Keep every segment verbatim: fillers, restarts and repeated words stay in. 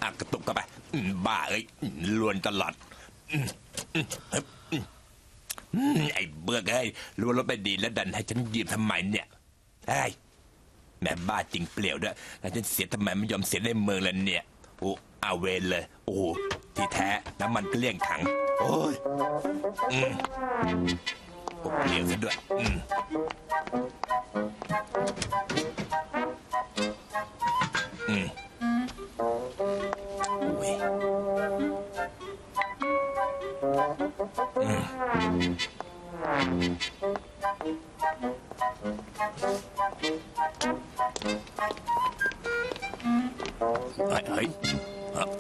อ่ะกระตุกเข้าไปอืมบ้าเอ้ยอืมลวนตลอดอืมอืมอืมอืมไอ้เบื่อเอ้ยลวนรถไปดีแล้วดันให้ฉันยืมทำไมเนี่ยไอ้ยแม่บ้าจริงเปลี่ยวด้วยแล้วฉันเสียทำไมไม่ยอมเสียในเมืองแล้วเนี่ยโอ้เอาเวรเลยโอ้ที่แท้น้ำมันเกลี้ยงถังโอ้ยอืมโอ้เปลี่ยวซะด้วยอืมอืมโอ้ยอืมเฮ้ยเฮ้ยเอ้า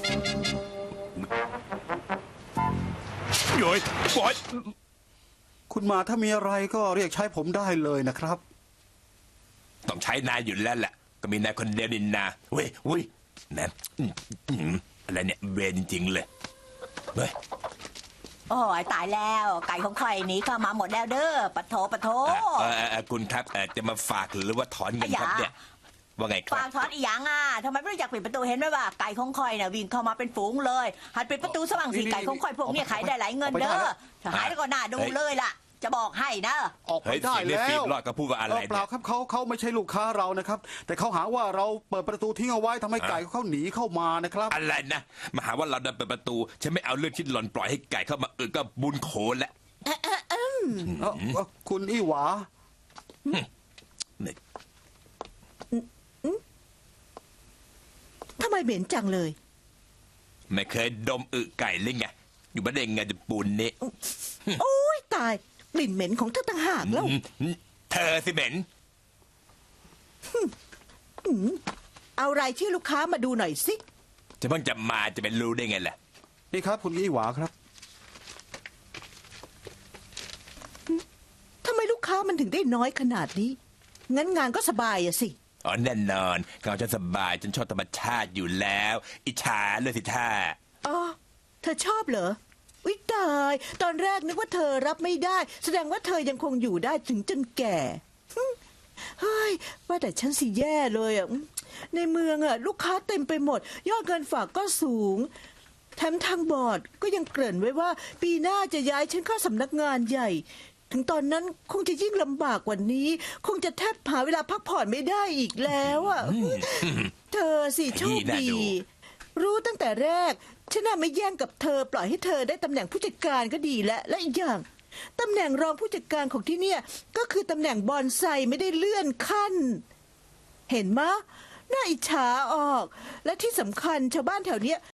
โย้ยปล่อยคุณมาถ้ามีอะไรก็เรียกใช้ผมได้เลยนะครับต้องใช้นายอยู่แล้วแหละก็มีนายคนเดียวนินนาเว้ยเว้ยแหมอืมอืมอะไรเนี่ยเวรจริงๆเลยเฮ้ยโอ้ยตายแล้วไก่ของข่อยหนี้เข้ามาหมดแล้วเด้อปะโถปะโถเอ่อเอ่อเอ่อคุณครับเอ่อจะมาฝากหรือว่าถอนเงินครับเนี่ยว่าไงครัฝาบกถอนอีหยังอ่ะทำไมไม่รู้จักปิดประตูเห็นไหมว่าไก่ของข่อยน่ะวิ่งเข้ามาเป็นฝูงเลยหัดปิดประตูสว่างสีไก่ของข่อยพวกเนี้ยขายได้หลายเงินเด้อถ้าหายแล้วก็น่าดูเลยล่ะจะบอกให้นะออกไปเฮ้ยได้เสียงในแล้ฟีดวรอดก็พูดว่าอะไรเออเปล่าเนี่ยครับเขาเขาไม่ใช่ลูกค้าเรานะครับ แต่เขาหาว่าเราเปิดประตูทิ้งเอาไว้ทำให้ไก่เขาหนีเข้ามานะครับอะไรนะมาหาว่าเราเดินเปิดประตูฉันไม่เอาเรื่องที่หล่อนปล่อยให้ไก่เข้ามาเออก็บุญโขนแล้วเอ้าเอ้าคุณอี้หวาเนี่ยทำไมเหม็นจังเลยไม่เคยดมอึไก่เลยไงอยู่บ้านเองไงจะปูนนี่โอ้ยตายกลิ่นเหม็นของเธอต่างหากแล้วอืมอืมเธอสิเหม็นเอารายชื่อลูกค้ามาดูหน่อยสิจะเพิ่งจะมาจะเป็นรู้ได้ไงล่ะนี่ครับคุณอี้หวาครับทำไมลูกค้ามันถึงได้น้อยขนาดนี้ งั้นงานก็สบายอะสิอ๋อแน่นอนเขาฉันสบายฉันชอบธรรมชาติอยู่แล้ว อิจฉาเลยสิท่าอ๋อ เธอชอบเหรอวิตาย ตอนแรกนึกว่าเธอรับไม่ได้ แสดงว่าเธอยังคงอยู่ได้ถึงจนแก่หึเฮ้ย ว่าแต่ฉันสิแย่เลยอ่ะ ในเมืองอ่ะ ลูกค้าเต็มไปหมด ยอดเงินฝากก็สูง แถมทางบอร์ดก็ยังเกริ่นไว้ว่า ปีหน้าจะย้ายฉันเข้าสำนักงานใหญ่ ถึงตอนนั้นคงจะยิ่งลำบากกว่านี้ คงจะแทบหาเวลาพักผ่อนไม่ได้อีกแล้วอ่ะ เธอสิโชคดี รู้ตั้งแต่แรก ฉันน่ะไม่แย่งกับเธอปล่อยให้เธอได้ตำแหน่งผู้จัดการก็ดีแล้วและอีกอย่างตำแหน่งรองผู้จัดการของที่เนี่ย ก็คือตำแหน่งบอนไซไม่ได้เลื่อนขั้น เห็นมะน่าอิจฉาออก และที่สำคัญชาวบ้านแถวเนี้ย